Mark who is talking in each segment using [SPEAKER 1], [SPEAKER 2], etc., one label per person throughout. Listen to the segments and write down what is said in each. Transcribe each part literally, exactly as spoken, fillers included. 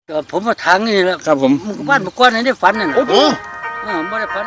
[SPEAKER 1] ก็ผมมาทางนี่แหละ
[SPEAKER 2] ครับผม
[SPEAKER 1] บ้านเมื่อก่อนนี่ได้ฝันนั่น
[SPEAKER 2] โอ้
[SPEAKER 1] น่ะ
[SPEAKER 2] โห
[SPEAKER 1] เออบ่ได้ฝัน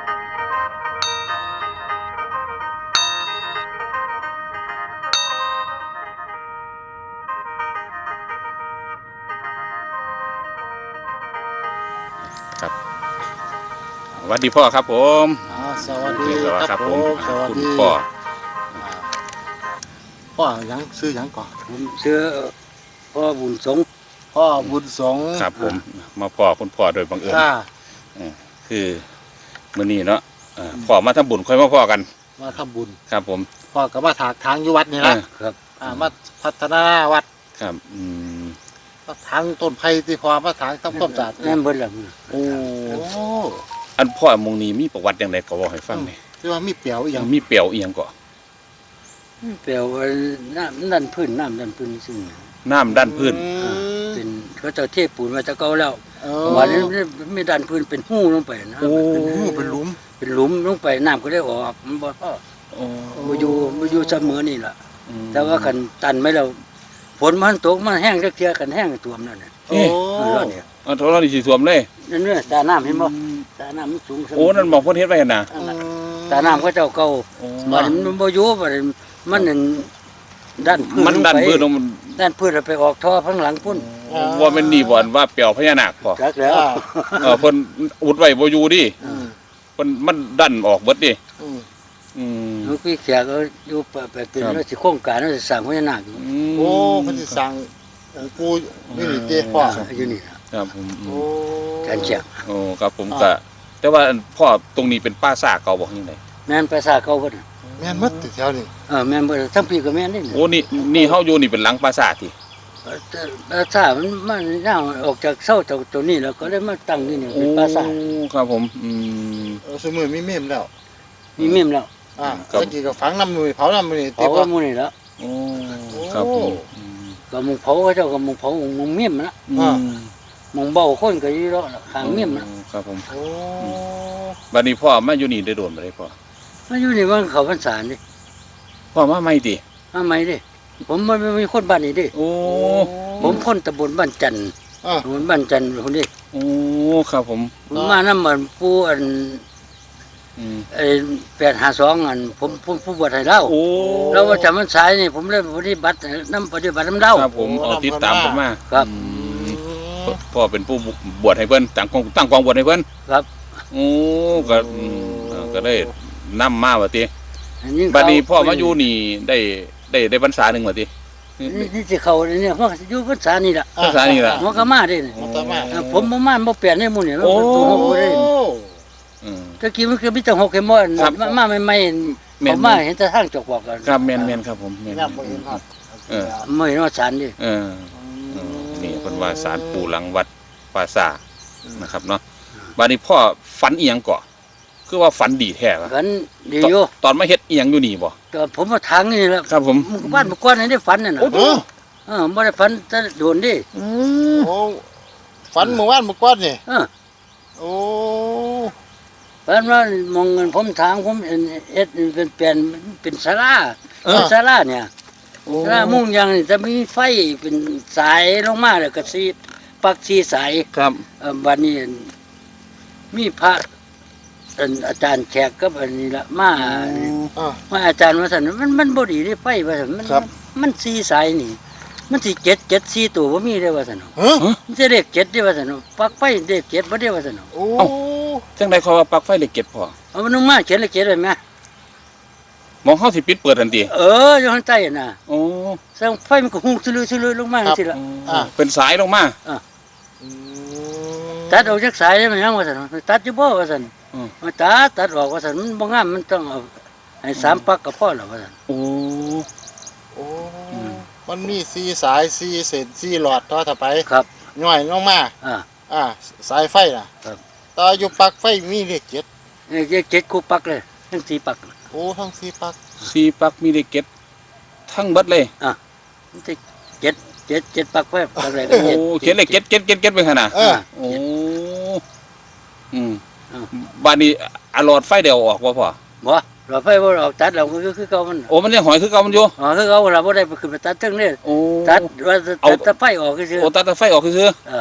[SPEAKER 2] ครับสวัสดีพ่อครับผม
[SPEAKER 3] อ่าสวัสดี
[SPEAKER 2] สวัสดี
[SPEAKER 3] ครับผม สวัส
[SPEAKER 2] คุณ
[SPEAKER 3] ดี
[SPEAKER 2] พ่อ
[SPEAKER 3] อ่าพ่อหยังซื้อหยังก่อน
[SPEAKER 1] ผมเชื่อพ่อบุญสงฆ์
[SPEAKER 3] พ่อบุญสงฆ์
[SPEAKER 2] ครับผมมาพ่อคุณพ่อโดยบังเอิญ
[SPEAKER 3] อ่า
[SPEAKER 2] คือมื้อนี้เนาะเอ่อพ่อมาทำบุญค่อยมาพ่อกัน
[SPEAKER 3] มาทำบุญ
[SPEAKER 2] ครับผม
[SPEAKER 3] พ่อก็มาถากทางอยู่วัดนี่ละ
[SPEAKER 2] เออ
[SPEAKER 1] ครับ
[SPEAKER 3] อ่ามาพัฒนาวัด
[SPEAKER 2] ครับอืม
[SPEAKER 3] มาทางต้นไผ่ที่พอมาถางทำความสะอาด
[SPEAKER 1] นั่นเบิดแล้ว
[SPEAKER 3] โอ้
[SPEAKER 2] อันพ่อมงนี้มีประวัติอย่างไรก็บอกให้ฟังหน่อย
[SPEAKER 3] ที่ว่ามีเปียวอหย่าง
[SPEAKER 2] มีเปรียวอีหยังก่อ
[SPEAKER 1] แปลว่าน้ำดันพื้นน้ำดันพื้นซึ่ง
[SPEAKER 2] น้ำด้านพื้น
[SPEAKER 3] อืม
[SPEAKER 1] เป็นเขาเจ้าเทพปูนมาจะเก่าแล้ว
[SPEAKER 3] เอ
[SPEAKER 1] วันนี้
[SPEAKER 3] อ
[SPEAKER 1] ไม่ดันพื้นเป็นหู้ลงไปนะ
[SPEAKER 2] โอ้
[SPEAKER 3] เป็นหูเป็นหลุม
[SPEAKER 1] เป็นหลุมลงไปน้ำก็ได้ออกมันบ่พอ
[SPEAKER 2] โอ้
[SPEAKER 1] บ่อยู่บ่อยู่เสมอนี่ล่ะ
[SPEAKER 2] อืม
[SPEAKER 1] แต่ว่าคันตันไม่แล้วฝนมันตกมันแห้งจักเที่ยกันแห้งท่วมนั่นน่ะ
[SPEAKER 3] โอ้
[SPEAKER 1] เออเนี่ย
[SPEAKER 2] เอาโทรศัพท์นี่สิท่วมเลย
[SPEAKER 1] นั่นเนี่ยตาน้ำเห็นบ่ตาน้ำมันสูงเสม
[SPEAKER 2] โอ้นั่นบอกเพิ่นเฮ็ดไว้หั่นน่ะ
[SPEAKER 3] อืม
[SPEAKER 1] ตาน้ำก็เจ้าเก่า
[SPEAKER 2] โอ้
[SPEAKER 1] บัดนี้มันบ่อยู่บัดนี้มันนั่นด้านพื้น
[SPEAKER 2] มันด้านพื้นลงมัน
[SPEAKER 1] ด้านพื้นแล้วไปออกท่อข้างหลังพุ่น
[SPEAKER 2] ว่าแม่นนี่บ่อนว่าเปรียวพญานาคพ่อ
[SPEAKER 1] จักแล้ว
[SPEAKER 3] อ่า
[SPEAKER 2] เออเพิ่นอุดไว้บ่อยู่ดิ
[SPEAKER 3] อืม
[SPEAKER 2] เพิ่นมันดันออกเบิดดิ
[SPEAKER 3] อืม
[SPEAKER 2] อืม
[SPEAKER 1] หลวงพี่แขกก็อยู่ไปไปเป็น
[SPEAKER 2] ครับ
[SPEAKER 1] ว่าสิโครงการว่าสิสร้างพญานาคอยู่
[SPEAKER 3] โอ้เพันธิสั่งองค์ปู่นี่นี่เจ้พ่อ
[SPEAKER 1] อยู่นี่ล่ะ
[SPEAKER 2] ครับผมอื
[SPEAKER 3] โอ้
[SPEAKER 2] ม
[SPEAKER 1] การเชียง
[SPEAKER 2] โอ้ครับผมก็แต่ว่าพ่อตรงนี้เป็นป่าซ่าเก่าบ่ยังไง
[SPEAKER 1] แม่นภาษาเก่าเพิ่น
[SPEAKER 3] แม่นมัดติดแถวนี่
[SPEAKER 1] เออแม่นบ่ทั้งพี่ก็แม่นนี่
[SPEAKER 2] โอ้นี่นี่เฮาอยู่นี่เป็นหลังป่าซ่าติ
[SPEAKER 1] ภาษามันมันย่างออกจากเสาจากตัวนี้แล้วก็เลยมาตั้งนี่นี่เป็นภาษา
[SPEAKER 2] โอ้ครับผมอืม
[SPEAKER 3] เออสมือมีเมมแล้ว
[SPEAKER 1] มีเมมแล้ว
[SPEAKER 3] อ่า
[SPEAKER 2] ครับ
[SPEAKER 3] เมื่อกี้ก็ฝังน้ำมือเผาน้ำมือนี่
[SPEAKER 1] เผา
[SPEAKER 3] ติ
[SPEAKER 1] ก็
[SPEAKER 3] ว่า
[SPEAKER 1] หมู่นี่แล้ว
[SPEAKER 2] โอ้ครับผมอืม
[SPEAKER 1] ก็หมุงเผาเขาเจ้าก็หมุงเผาหมุงเมมนะ
[SPEAKER 3] อ่า
[SPEAKER 1] หมุงเบาคนก็อยู่แล้วข้างเมมนะ
[SPEAKER 2] ครับผม
[SPEAKER 3] โอ้
[SPEAKER 2] บัดนี้พ่อมาอยู่นี่ได้โดนบ่ได้พ่อ
[SPEAKER 1] มาอยู่นี่มันเขาพรรษานี่
[SPEAKER 2] พ่อมาใหม่ติ
[SPEAKER 1] มาใหม่เด้ผมบ่บ่มีคนบ้านนี่เด้
[SPEAKER 2] โอ้
[SPEAKER 1] ผมคนตำบลบ้านจันทร์
[SPEAKER 3] อ่า
[SPEAKER 1] ตำบลบ้านจันทร์คนนี้
[SPEAKER 2] โอ้ครับผม
[SPEAKER 1] ผมมานำมันผู้อัน
[SPEAKER 2] อืม
[SPEAKER 1] ไอ้แปดห้าสองอันผมผมผู้บวชให้เล่า
[SPEAKER 2] โอ้
[SPEAKER 1] แล้วว่าจำมันสายนี่ผมเลยปฏิบัติน้ำปฏิบัติน้ำเล่า
[SPEAKER 2] ครับผมเอาติดตามผมมา
[SPEAKER 1] ครับ
[SPEAKER 2] อืมพ่อเป็นผู้บวชให้เพิ่นตั้งกองตั้งกองบวชให้เพิ่น
[SPEAKER 1] ครับ
[SPEAKER 2] โอ้ก็อืมเออก็ได้นำมาว่าติ
[SPEAKER 1] อันนี้
[SPEAKER 2] บัดนี้พ่อมาอยู่นี่ได้ได้ได้พรรษาหนึงว่าติ
[SPEAKER 1] นี่นี่สิเขาเนี่ยเพราะอยู่พรรษานี่ล่ะ
[SPEAKER 2] ภาษานี่ล่ะ
[SPEAKER 1] หัวกะมาเด้นี่
[SPEAKER 3] มันตามมา
[SPEAKER 1] เออผมบ่มาบ่เปลี่ยนให้หมู่นี่มัน
[SPEAKER 2] โอ้
[SPEAKER 1] เป็นตัวหกบ่ได้
[SPEAKER 2] อืม
[SPEAKER 1] ตะกี้มันคือมีแต่หกเข็มบ่
[SPEAKER 2] ครับ
[SPEAKER 1] มามาใหม่
[SPEAKER 2] แม่น
[SPEAKER 1] ๆเขามาเห็นแต่ทางจกบอกกัน
[SPEAKER 2] ครับแม่นแม่นครับผมแม่น
[SPEAKER 3] ย่ำบ่เห็นฮอด
[SPEAKER 2] เออ
[SPEAKER 1] ไม่เห็นว่าสารดิ
[SPEAKER 2] เออเออนี่เพิ่นว่าศาลปู่หลังวัดปราสาทนะครับเนาะบัดนี้พ่อฝันอีหยังก่อคือว่าฝันดีแท้วะ
[SPEAKER 1] กันดี
[SPEAKER 2] ตอน
[SPEAKER 1] อยู่
[SPEAKER 2] ตอนมาเฮ็ดอีหยังอยู่นี่บ่
[SPEAKER 1] แต่ผมมาทางนี่แหละ
[SPEAKER 2] ครับผม
[SPEAKER 1] บ้านเมื่อก่อนนี่ได้ฝันนั่นน่ะ
[SPEAKER 3] โอ้
[SPEAKER 1] เออบ่ได้ฝันแต่โดนดิ
[SPEAKER 2] อืม
[SPEAKER 3] โอ้ฝันเมื่อวานเมื่อก่อนนี่
[SPEAKER 1] เออ
[SPEAKER 3] โอ้
[SPEAKER 1] ฝันว่ามองเงินผมทางผมเอ็นเอ็ดเป็นเปลี่ยนเป็นศาลา
[SPEAKER 2] เออ
[SPEAKER 1] เป็นศาลาเนี่ย
[SPEAKER 2] โอ้
[SPEAKER 1] ศาลามุ่งยางนี่จะมีไฟเป็นสายลงมาแล้วก็สีปักสีสาย
[SPEAKER 2] ครับ
[SPEAKER 1] เอ่อบัดนี้มีพระอันอาจารย์แขกกับอันนี้ละมา
[SPEAKER 3] อ่า
[SPEAKER 1] มาอาจารย์ว่าซั่นมันมันบ่ดีเด้ไฟว่าซั่นมัน
[SPEAKER 3] ครับ
[SPEAKER 1] มันสีสายนี่ มันสิเจ็ดเจ็ดสี่ตัวบ่มีเด้ว่าซั่น
[SPEAKER 3] ฮะ
[SPEAKER 1] มันสิเลขเจ็ดเด้ว่าซั่นปักไฟเลขเจ็ดบ่ได้ว่าซั่น
[SPEAKER 3] โอ้
[SPEAKER 2] จังได๋เขาว่าปลั๊กไฟเหล็กเก็บพ่อ
[SPEAKER 1] เอามันลงมาเขียนเลขเจ็ดได้ไหม
[SPEAKER 2] มองเฮาสิปิดเปิดทันที
[SPEAKER 1] เอออยู่ข้างใต้น่ะ
[SPEAKER 2] โอ้
[SPEAKER 1] แสงไฟมันก็ฮู้ซื่อๆลงมาจังซี่ล่ะ
[SPEAKER 3] อ่า
[SPEAKER 2] เป็นสายลงมา
[SPEAKER 3] อืม
[SPEAKER 1] ตัดออกจากสายได้มันยังว่าซั่นตัดอยู่บ่ว่าซั่น
[SPEAKER 2] อืม
[SPEAKER 1] มาตัดตัดออกว่าซั่นมันบ่งามมันต้องเอาให้สามปักก็พอแล้วว่าซั่น
[SPEAKER 2] โอ้
[SPEAKER 3] โอ้
[SPEAKER 2] อืม
[SPEAKER 3] มันมีสี่สายสี่เศษสี่หลอดต่อถ้าไป
[SPEAKER 1] ครับ
[SPEAKER 3] ย่อยลงมา
[SPEAKER 1] อ่า
[SPEAKER 3] อ่า สายไฟน่ะ
[SPEAKER 1] ครับ
[SPEAKER 3] ต่ออยู่ปลั๊กไฟมีเลขเจ็ด
[SPEAKER 1] เลขเจ็ดคู่ปักเลยทั้งสี่ปัก
[SPEAKER 3] โอ้ทั้งสี่ปลั๊ก
[SPEAKER 2] สีปลั๊กมีเหล็กเก็บทั้งเบิดเลย
[SPEAKER 1] มันสิเจ็ดเจ็ดเจ็ดปักไว้ปักอะไรก็
[SPEAKER 2] โอ้
[SPEAKER 1] เจ็ด
[SPEAKER 2] เขียนเหล็กเก็บเก็บเก็บเก็บไปขนาด
[SPEAKER 3] เออ
[SPEAKER 2] โอ้อืม
[SPEAKER 1] อ้าว
[SPEAKER 2] บ้านนี้อะหลอดไฟเดียวออกบ่พ่อ
[SPEAKER 1] บ่เราไฟบ่ออกตัดเราก็คือเก่ามัน
[SPEAKER 2] โอ้มันยังหอยคือเก่ามันอยู่
[SPEAKER 1] อ๋อคือเก่าเราบ่ได้ไปขึ้นไปตัดถึงนี่
[SPEAKER 2] โอ้
[SPEAKER 1] ตัดว่า
[SPEAKER 2] เอา
[SPEAKER 1] ตัดแต่ไฟออกคือ
[SPEAKER 2] โอ้ตัดแต่ไฟออกคือ
[SPEAKER 1] เออ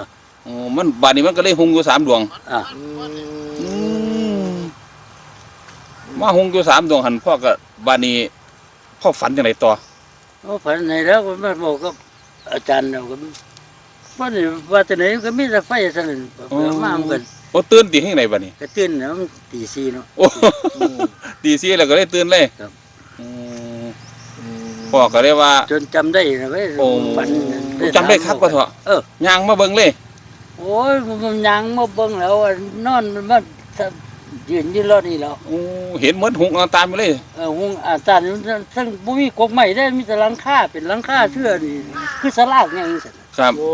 [SPEAKER 2] อ๋อมันบาดนี้มันก็เลยหุงอยู่สามดวง
[SPEAKER 1] อ่ะ
[SPEAKER 3] อืม
[SPEAKER 2] มาหุงอยู่สามดวงหันพ่อก็บาดนี้พ่อฝันจังไดต่อ
[SPEAKER 1] โอ้ฝันไหนแล้วก็มาบอกกับอาจารย์เราก็ว่านี่ว่าแต่ไหนก็มีแต่ไฟซะนั่นเปิดมามันก็
[SPEAKER 2] โอ้ตื่นตีให้ไหนบาดนี้
[SPEAKER 1] ก็ตื่นแล้วมันตีสี่เนาะ
[SPEAKER 2] โอ้ ตีสี่แล้วก็เลยตื่นเลย
[SPEAKER 1] ครับ
[SPEAKER 2] อืมพ่อก็เลยว่า
[SPEAKER 1] จนจำได้นะเว้ย
[SPEAKER 2] โอ้
[SPEAKER 1] ฝัน
[SPEAKER 2] จำได้ครับว่าเถอะ
[SPEAKER 1] เออ
[SPEAKER 2] ย่างมาเบิ่งเลย
[SPEAKER 1] โอ้ยมันยังมาเบิ่งแล้วอะนอนมันมายืนอยืนรอนี่แล้ว
[SPEAKER 2] โอ้เห็นเหมือนหุงเอาตามไปเลย
[SPEAKER 1] เออหุงอาจารย์ทั้งบ่มีกกใหม่ได้มีแต่หลังคาเป็นหลังคาเชื่อนี่คือสลากไงจังซั่น
[SPEAKER 2] ครับ
[SPEAKER 3] โอ้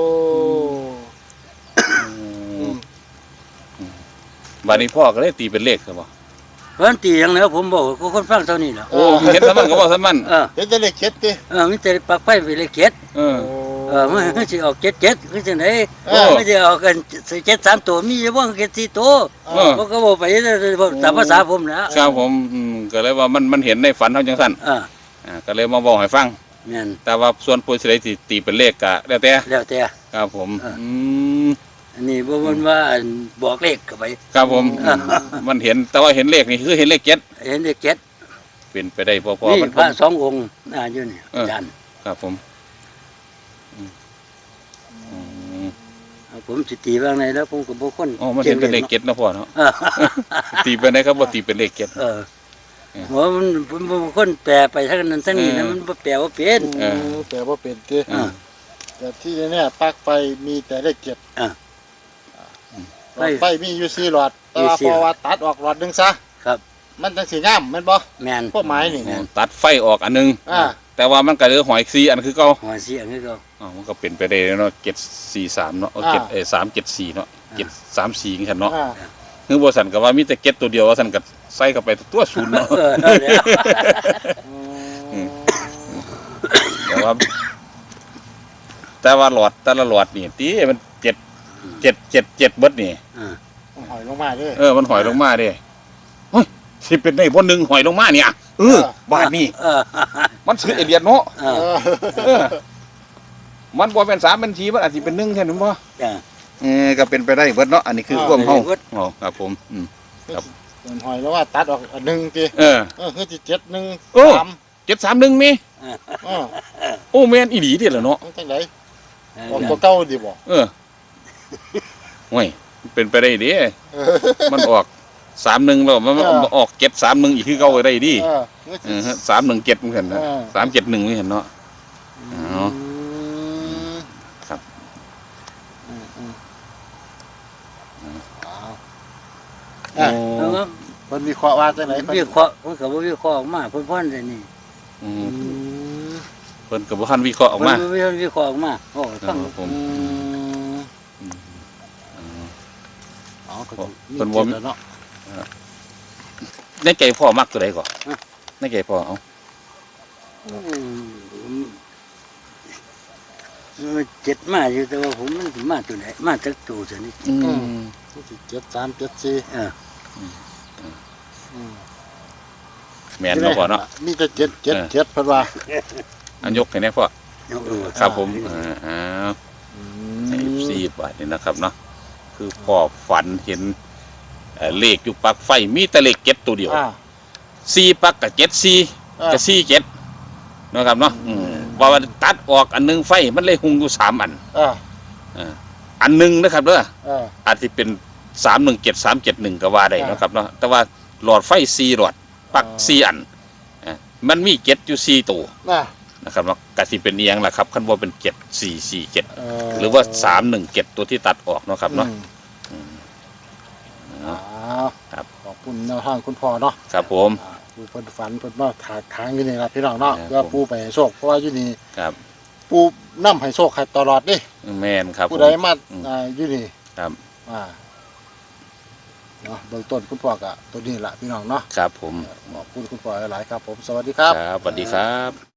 [SPEAKER 2] บาดนี้พ่อก็เลยตีเป็นเลขครับบ่
[SPEAKER 1] เพิ่นตีอย่างแล้วผมบอกก็คนฟังเท่านี้แหล้ว
[SPEAKER 2] โอ้เห็นสมันก็บอกสมัน
[SPEAKER 1] เออ
[SPEAKER 3] เห็นแต่เลขเจ็ดดิ
[SPEAKER 1] เออมีแต่ปลักไฟไปเลยเจ็ด
[SPEAKER 2] เออ
[SPEAKER 1] เออมันมันสิออกเจ็ดเจ็ดคือจังได๋
[SPEAKER 2] โอ้
[SPEAKER 1] มันสิออกกันเจ็ดสามตัวมีอยู่บ่เจ็ดสี่ตัว
[SPEAKER 2] เออ
[SPEAKER 1] ผมก็บอกไปตามภาษาผมนะครับ
[SPEAKER 2] ผมอืมก็เลยว่ามันมันเห็นในฝันเท่าจังสั้น
[SPEAKER 1] อ่า
[SPEAKER 2] อ่าก็เลยมาบอกให้ฟัง
[SPEAKER 1] แม่น
[SPEAKER 2] แต่ว่าส่วนผู้สิได้สิตีเป็นเลขก็แล้วแต่
[SPEAKER 1] แล้วแต่
[SPEAKER 2] ครับผม
[SPEAKER 1] อ่า
[SPEAKER 2] อืม
[SPEAKER 1] อันนี้บ่มันว่าอันบอกเลขเข้าไป
[SPEAKER 2] ครับผม
[SPEAKER 1] อ่า
[SPEAKER 2] มันเห็นแต่ว่าเห็นเลขนี่คือเห็นเลขเจ็ด
[SPEAKER 1] เห็นเลขเจ็ด
[SPEAKER 2] เป็นไปได้พอพอ
[SPEAKER 1] นี่
[SPEAKER 2] มัน
[SPEAKER 1] พระสององค์อ่าอยู่นี่
[SPEAKER 2] เออ
[SPEAKER 1] อาจารย์
[SPEAKER 2] ครับผมอืมอืม
[SPEAKER 1] เอาผมสิตีว่าไงแล้วผมก็บ่คน
[SPEAKER 2] อ๋อมันเห็นเป็นเลขเจ็ดนะพ่อเนาะ
[SPEAKER 1] เออ
[SPEAKER 2] ตีไปได้ครับว่าตีเป็นเลขเจ็ด
[SPEAKER 1] เออ
[SPEAKER 2] เออ
[SPEAKER 1] เพราะมันผมบางคนแปลไปทั้งนั้นทั้งนี้นะ
[SPEAKER 2] เออ
[SPEAKER 1] มันบ่แปลว่าเป็น
[SPEAKER 2] เออ
[SPEAKER 3] แต่ว่าเป็นดิ
[SPEAKER 2] อ่า
[SPEAKER 3] แต่ที่แน่ๆปลั๊กไฟมีแต่เลขเจ็ด
[SPEAKER 1] อ่ะ
[SPEAKER 3] หลอดไฟมีอยู่สี่หลอดแต่ว่า
[SPEAKER 1] มีสี่
[SPEAKER 3] พอว่าตัดออกหลอดหนึงซะ
[SPEAKER 1] ครับ
[SPEAKER 3] มันจังสีงามแม่นบ่
[SPEAKER 1] แม่น
[SPEAKER 3] พวกไม้นี่
[SPEAKER 2] อ๋อตัดไฟออกอันหนึง
[SPEAKER 3] อ่า
[SPEAKER 2] แต่ว่ามันก็เหลือหอยซีอันคือเก่า
[SPEAKER 1] หัวเสียงคือเขา
[SPEAKER 2] อ๋อมันก็เป็นไปได้เนาะเจ็ดสี่สามเนาะเอาเจ็ดเออสามเจ็ดสี่เนาะเจ็ดสามสี่กันเนาะ
[SPEAKER 3] อ่า
[SPEAKER 2] คือบสันก็ว่ามีแต่เก็ตตัวเดียวว่าสันก็ใส่เข้าไปตัวศูนย์เนาะ
[SPEAKER 1] เออนั่นแหละ
[SPEAKER 2] อืม แต่ว่า แต่ว่าหลอดแต่ละหลอดนี่ตีมันเจ็ดเจ็ดเจ็ดเจ็ดเบิดนี่
[SPEAKER 1] อ่า
[SPEAKER 3] หอยลงมาเด้วย
[SPEAKER 2] เออมันหอยลงมาเด้เฮ้ยสิเป็นได้บนหนึ่งหอยลงมาเนี่ยเออบาทนี่
[SPEAKER 1] เออ
[SPEAKER 2] มันซื้อเอเลียนเนาะ
[SPEAKER 1] เออ
[SPEAKER 2] เออมันบ่เป็นสามเป็นสีมันอาจจะเป็นหนึ่งแค่นั้นบ่
[SPEAKER 1] จ้ะ
[SPEAKER 2] เออก็เป็นไปได้เบิดเนาะอันนี้คือความเฮาอ๋อครับผมอืม ครับ
[SPEAKER 3] เป็นหอยแล้วว่าตัดออกอันหนึงติ
[SPEAKER 2] เออ
[SPEAKER 3] เออคือสิเจ็ดหนึ่ง
[SPEAKER 2] โอ้
[SPEAKER 3] สาม
[SPEAKER 2] เจ็ดสามหนึ่งมี
[SPEAKER 3] อ่า
[SPEAKER 2] โอ้แม่นอีหลีเด้ล่ะเนาะ
[SPEAKER 3] มันจังไดอ
[SPEAKER 1] เอ
[SPEAKER 3] อก
[SPEAKER 1] อ
[SPEAKER 3] ตัวเก่าดีบ่
[SPEAKER 2] เออโอ้ยเป็นไปได้เดิ
[SPEAKER 3] เออ
[SPEAKER 2] มันออกสามหนึ่งแล้วมัน
[SPEAKER 3] เออ
[SPEAKER 2] มันออกเจ็ดสามหนึ่งอีกคือเก่าได้ดิ
[SPEAKER 3] เออคือสิ
[SPEAKER 2] เออสามหนึ่งเจ็ดมันเห็นนะ
[SPEAKER 3] เออ
[SPEAKER 2] สามเจ็ดหนึ่งไม่เห็นเนาะ
[SPEAKER 3] อืม
[SPEAKER 2] ครับ
[SPEAKER 3] อืมอืม
[SPEAKER 2] โอ้
[SPEAKER 1] แล้วก็
[SPEAKER 3] เพิ่นวิเคราะห์ว่าจังไดเพิ่น
[SPEAKER 1] วิเคราะห์ผมก็บ่วิเคราะห์ออกมาเพิ่นพ่นได้นี่
[SPEAKER 2] อื
[SPEAKER 3] อื
[SPEAKER 2] ม
[SPEAKER 3] ม
[SPEAKER 2] เพิ่นกับบุคันวิเคราะห์ออกมา
[SPEAKER 1] เพิ่นวิเคราะห์ออกมาโอ้ฟัง
[SPEAKER 2] ครับผม
[SPEAKER 3] อืม
[SPEAKER 2] อืม
[SPEAKER 3] อ๋อก็
[SPEAKER 2] เพิ่นบ่
[SPEAKER 3] มีเจ็ดแล้วเนาะ
[SPEAKER 2] ในใจพ่อมักตัวใดก่อนในใจพ่อเอา
[SPEAKER 1] อืมมันเจ็ดมาอยู่แต่ว่าผมมันสิมาตัวไหนมาจากตัวซะนี่
[SPEAKER 2] อืม
[SPEAKER 3] คือสิเจ็ดสามเจ็ดสี่
[SPEAKER 1] เออ
[SPEAKER 3] อืม
[SPEAKER 2] แม่นเนาะพ่อเนาะ
[SPEAKER 3] มีแต่เจ็ดเจ็ด
[SPEAKER 2] เออ
[SPEAKER 3] เจ็ดเพิ่นว่า
[SPEAKER 2] อันยกให้แน่พ่อ
[SPEAKER 1] เออ
[SPEAKER 2] ครับผมอ่าอ้าว
[SPEAKER 3] อื
[SPEAKER 2] ให้
[SPEAKER 3] ม
[SPEAKER 2] สี่บาทนี่นะครับเนาะคือพ่อฝันเห็นเอ่อเลขอยู่ปลั๊กไฟมีแต่เลขเจ็ดตัวเดียว
[SPEAKER 3] อ่า
[SPEAKER 2] สี่ปลั๊กกับเจ็ดสี่
[SPEAKER 3] อ่า
[SPEAKER 2] กับสี่เจ็ดเนาะครับเนาะอืมว่ามันตัดออกอันหนึงไฟมันเลยหุงอยู่สามอัน
[SPEAKER 3] อ่า
[SPEAKER 2] อ่าอันหนึงนะครับเด้อ
[SPEAKER 3] อ่า
[SPEAKER 2] อาจจะเป็นสามหนึ่งเจ็ดสามเจ็ดหนึ่งก็ว่าได้
[SPEAKER 3] อ่า
[SPEAKER 2] เนาะครับเนาะแต่ว่าหลอดไฟสี่หลอดปลั๊ก
[SPEAKER 3] อ่า
[SPEAKER 2] สี่อันอ่ามันมีเจ็ดอยู่สี่ตัว
[SPEAKER 3] น่ะ
[SPEAKER 2] นะครับเนาะกสิเป็นเอียงล่ะครับคันว่าเป็นเจ็ดสี่สี่เจ็ด
[SPEAKER 3] เ
[SPEAKER 2] หรือว่าสามหนึ่งเจ็ดตัวที่ตัดออกเนาะครับเนาะ
[SPEAKER 3] อืม
[SPEAKER 2] เนาะ
[SPEAKER 3] อ้าว
[SPEAKER 2] ครับ
[SPEAKER 3] ขอบคุณแนวทางคุณพ่อเนาะ
[SPEAKER 2] ครับผม
[SPEAKER 3] อ่าผู้เพิ่นฝันเพิ่นมาถากทางอยู่นี่ล่ะพี่น้องเนาะ
[SPEAKER 2] ครับ
[SPEAKER 3] เพื่อปู่ไปให้โชคเพราะว่าอยู่นี่
[SPEAKER 2] ครับ
[SPEAKER 3] ปู่นำให้โชคให้ตลอดเด้
[SPEAKER 2] แม่นครับผ
[SPEAKER 3] ผู้
[SPEAKER 2] ม
[SPEAKER 3] ใดมา
[SPEAKER 2] อืม
[SPEAKER 3] อ่าอยู่นี่
[SPEAKER 2] ครับ
[SPEAKER 3] อ่าเนาะเบื้องต้นคุณพ่อก็ตัวนี้ล่ะพี่น้องเนาะ
[SPEAKER 2] ครับผม
[SPEAKER 3] ขอบคุณคุณพ่อหลายๆครับผมสวัสดีครับ
[SPEAKER 2] ครับสวัสดีครับ